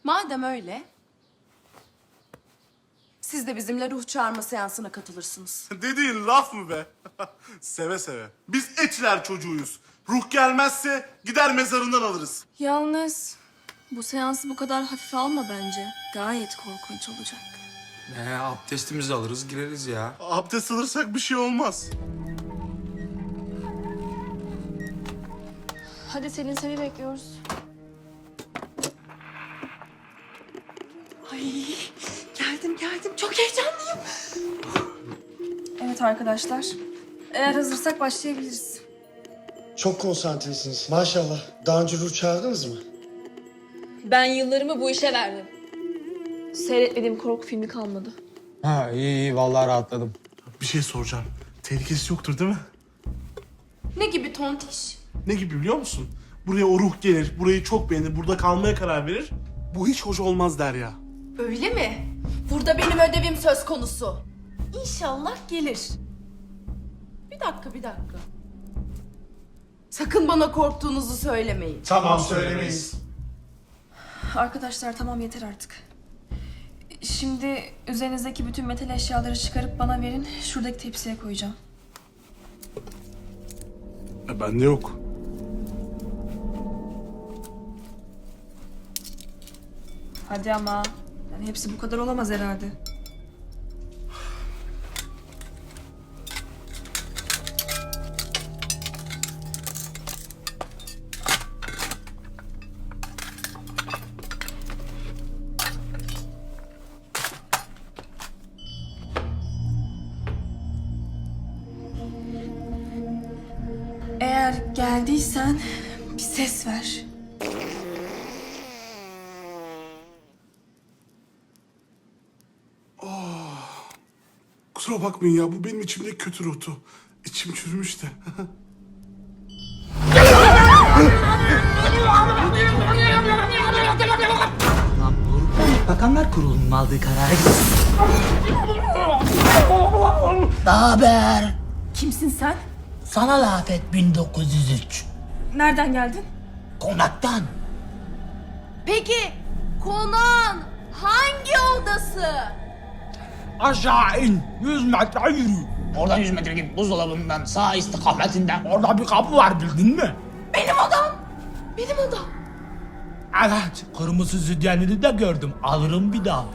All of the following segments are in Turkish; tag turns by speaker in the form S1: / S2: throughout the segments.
S1: Madem öyle, siz de bizimle ruh çağırma seansına katılırsınız.
S2: Dediğin laf mı be? Seve seve. Biz Etiler çocuğuyuz. Ruh gelmezse gider mezarından alırız.
S3: Yalnız bu seansı bu kadar hafife alma bence. Gayet korkunç olacak.
S4: Abdestimizi alırız gireriz ya.
S2: Abdest alırsak bir şey olmaz.
S3: Hadi Selin seni bekliyoruz.
S1: Geldim. Çok heyecanlıyım.
S3: Evet arkadaşlar. Eğer hazırsak başlayabiliriz.
S5: Çok konsantresiniz. Maşallah. Daha önce ruh çağırdınız mı?
S3: Ben yıllarımı bu işe verdim. Seyretmediğim korku filmi kalmadı.
S4: Ha iyi vallahi rahatladım.
S2: Bir şey soracağım. Tehlikesi yoktur değil mi?
S1: Ne gibi tontiş?
S2: Ne gibi biliyor musun? Buraya o ruh gelir, burayı çok beğenir, burada kalmaya karar verir. Bu hiç hoş olmaz der ya.
S1: Öyle mi? Burada benim ödevim söz konusu. İnşallah gelir. Bir dakika. Sakın bana korktuğunuzu söylemeyin.
S5: Tamam, söylemeyiz.
S3: Arkadaşlar tamam yeter artık. Şimdi üzerinizdeki bütün metal eşyaları çıkarıp bana verin. Şuradaki tepsiye koyacağım.
S2: Bende yok.
S3: Hadi ama. Yani hepsi bu kadar olamaz herhalde. Eğer geldiysen bir ses ver.
S2: Kusura bakmayın ya, bu benim içimdeki kötü ruhtu. İçim çürümüş de.
S6: Bakanlar Kurulu'nun aldığı karara göre... Naber?
S1: Kimsin sen?
S6: Sana laf et 1903.
S3: Nereden geldin?
S6: Konaktan.
S1: Peki konağın hangi odası?
S6: Aşağı in. 100 metre yürü. Oradan 100 metre git buzdolabından sağ istikametinden. Orada bir kapı var bildin mi?
S1: Benim odam.
S6: Evet. Kırmızı sütyenini de gördüm. Alırım bir daha.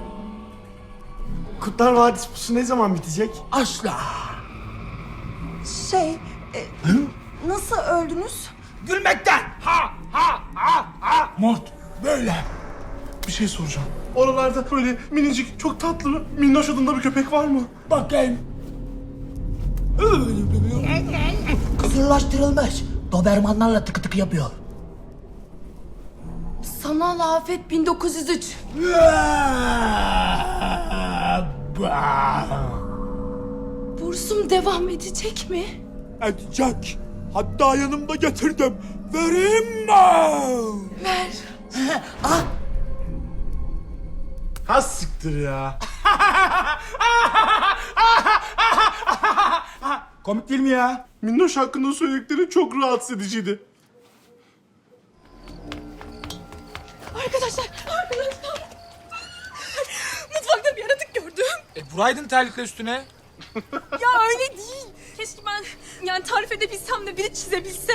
S5: Kurtlar Vadisi pusu ne zaman bitecek?
S6: Asla.
S1: Nasıl öldünüz?
S6: Gülmekten. Ha. Mort. Böyle.
S2: Bir şey soracağım. Oralarda böyle minicik, çok tatlı, minnoş adında bir köpek var mı?
S6: Bakayım. Kısırlaştırılmış. Dobermanlarla tıkı tıkı yapıyor.
S1: Sanal afet 1903. Bursum devam edecek mi?
S6: Edecek. Hatta yanımda getirdim. Vereyim mi?
S1: Ver.
S2: Ha siktir ya.
S6: Komik değil mi ya?
S2: Minnoş hakkında söyledikleri çok rahatsız ediciydi.
S3: Arkadaşlar. Mutfakta bir yaratık gördüm.
S4: Vuraydın terlikle üstüne.
S3: Ya öyle değil. Keşke ben yani tarif edebilsem de biri çizebilse.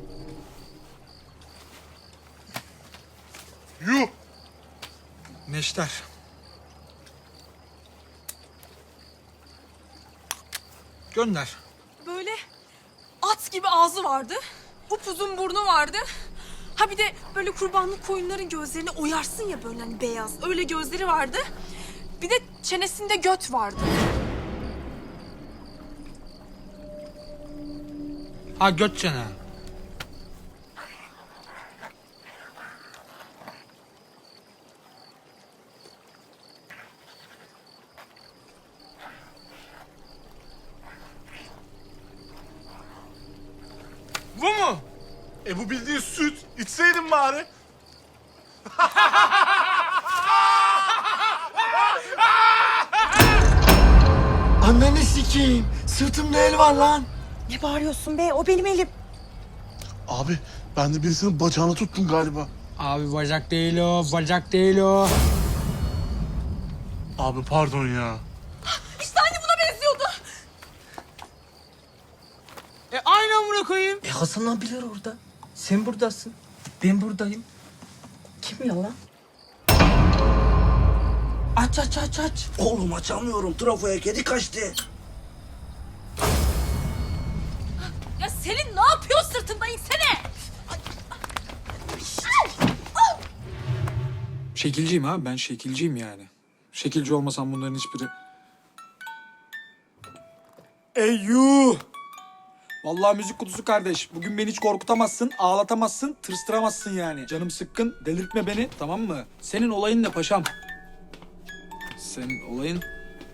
S2: Yuh.
S4: Neşter. Gönder.
S3: Böyle at gibi ağzı vardı. Upuzun burnu vardı. Ha bir de böyle kurbanlık koyunların gözlerini oyarsın ya böyle hani beyaz. Öyle gözleri vardı. Bir de çenesinde göt vardı.
S4: Ha göt çene. Bu mu?
S2: Bu bildiğin süt. İçseydin bari.
S5: Anneni sikeyim. Sırtımda el var lan.
S7: Ne bağırıyorsun be? O benim elim.
S2: Abi, ben de birisinin bacağını tuttum galiba.
S4: Abi bacak değil o, bacak değil o.
S2: Abi pardon ya.
S3: İşte aynı buna benziyordu.
S4: Aynı amına koyayım.
S6: Hasan abiler orada. Sen buradasın. Ben buradayım. Kim ya lan? Aç.
S5: Oğlum açamıyorum. Trafoya kedi kaçtı.
S3: Ya Selin ne yapıyor, sırtımda insene.
S4: Şekilciyim abi, ben şekilciyim yani. Şekilci olmasam bunların hiçbiri... Eyyuh! Vallahi müzik kutusu kardeş. Bugün beni hiç korkutamazsın, ağlatamazsın, tırstıramazsın yani. Canım sıkkın, delirtme beni, tamam mı? Senin olayın ne paşam? Senin olayın...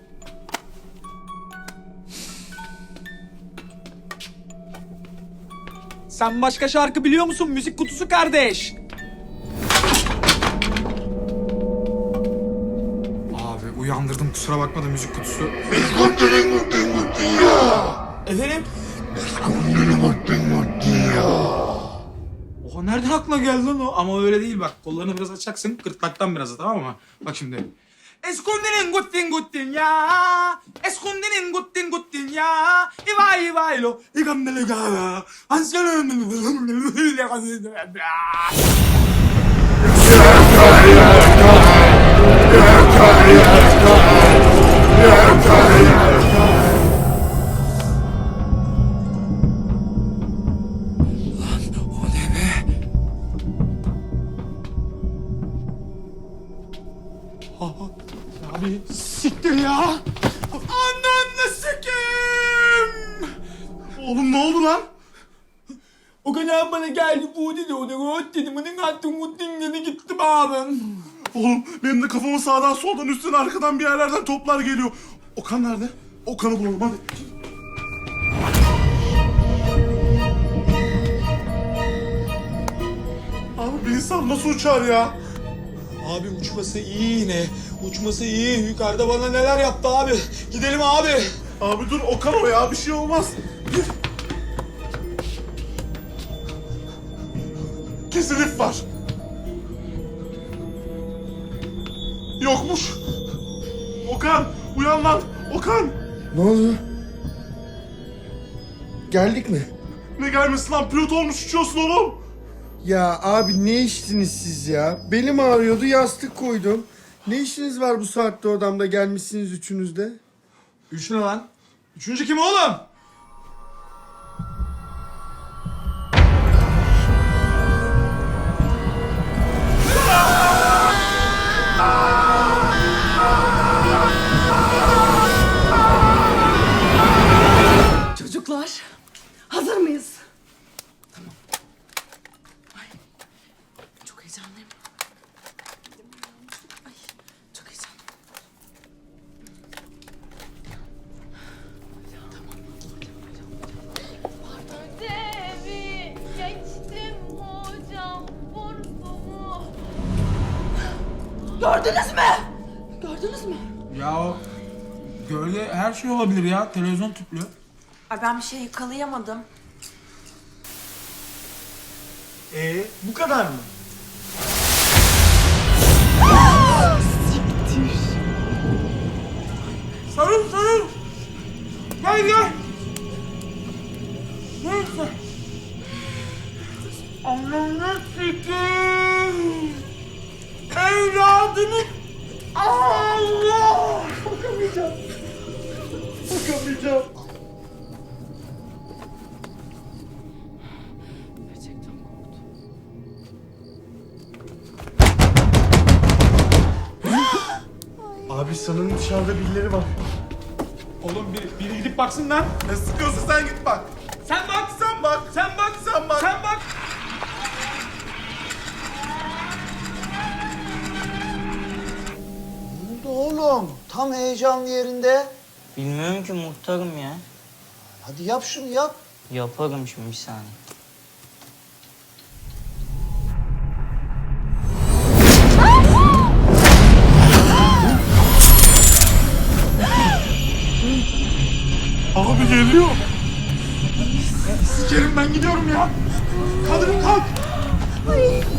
S4: Sen başka şarkı biliyor musun müzik kutusu kardeş? Abi uyandırdım, kusura bakma da müzik kutusu. Efendim? Oha, nereden aklına geldi lan o? Ama öyle değil bak. Kollarını biraz açacaksın. Gırtlaktan biraz, tamam mı? Bak şimdi. Eskundinin guttin ya. Eskundinin guttin ya. İvay lo. İgamdele gala. Abi siktir ya. Ananı sikeyim.
S2: Oğlum ne oldu lan?
S4: O kadar bana geldi bu dedi. O da rot dedi. Bana attım mutluyum dedi, gittim abim.
S2: Oğlum benim de kafama sağdan soldan üstten arkadan bir yerlerden toplar geliyor. Okan nerede? Okan'ı bulalım hadi. Abi bir insan nasıl uçar ya?
S4: Abi uçması iyi yine. Uçması iyi. Yukarıda bana neler yaptı abi. Gidelim abi.
S2: Abi dur Okan o ya bir şey olmaz. Gir. Kesin ip var. Yokmuş. Okan uyan lan. Okan.
S5: Ne oldu? Geldik mi?
S2: Ne gelmesin lan pilot olmuş uçuyorsun oğlum.
S5: Ya abi ne içtiniz siz ya? Belim ağrıyordu, yastık koydum. Ne işiniz var bu saatte odamda, gelmişsiniz üçünüz de?
S4: Üç ne lan? Üçüncü kim oğlum?
S1: Çocuklar, hazır mıyız? Tamam. Ay, çok heyecanlıyım. Ay, çok heyecanlıyım.
S7: Ödevi geçtim hocam, burnumu.
S1: Gördünüz mü? Gördünüz mü?
S4: Ya o gölge her şey olabilir ya. Televizyon tüplü.
S3: Ay ben bir şey yakalayamadım.
S5: Bu kadar mı?
S4: Sarıl. Gel. Neyse. Ananı sikeyim. Evladını... Allah!
S5: Bakamayacağım.
S1: Gerçekten korktum.
S5: Abi sanırım dışarıda birileri var.
S4: Oğlum biri gidip baksın lan.
S2: Ne sıkıyorsun sen git bak.
S4: Sen bak.
S2: Sen bak.
S4: Sen bak.
S2: Sen bak.
S4: Sen bak.
S8: Ne oldu oğlum? Tam heyecanlı yerinde.
S9: Bilmiyorum ki muhtarım ya.
S8: Hadi yap şunu yap.
S9: Yaparım şimdi bir saniye.
S2: Abi geliyor.
S4: Sikerim, ben gidiyorum ya. Kadın kalk.
S1: Ay,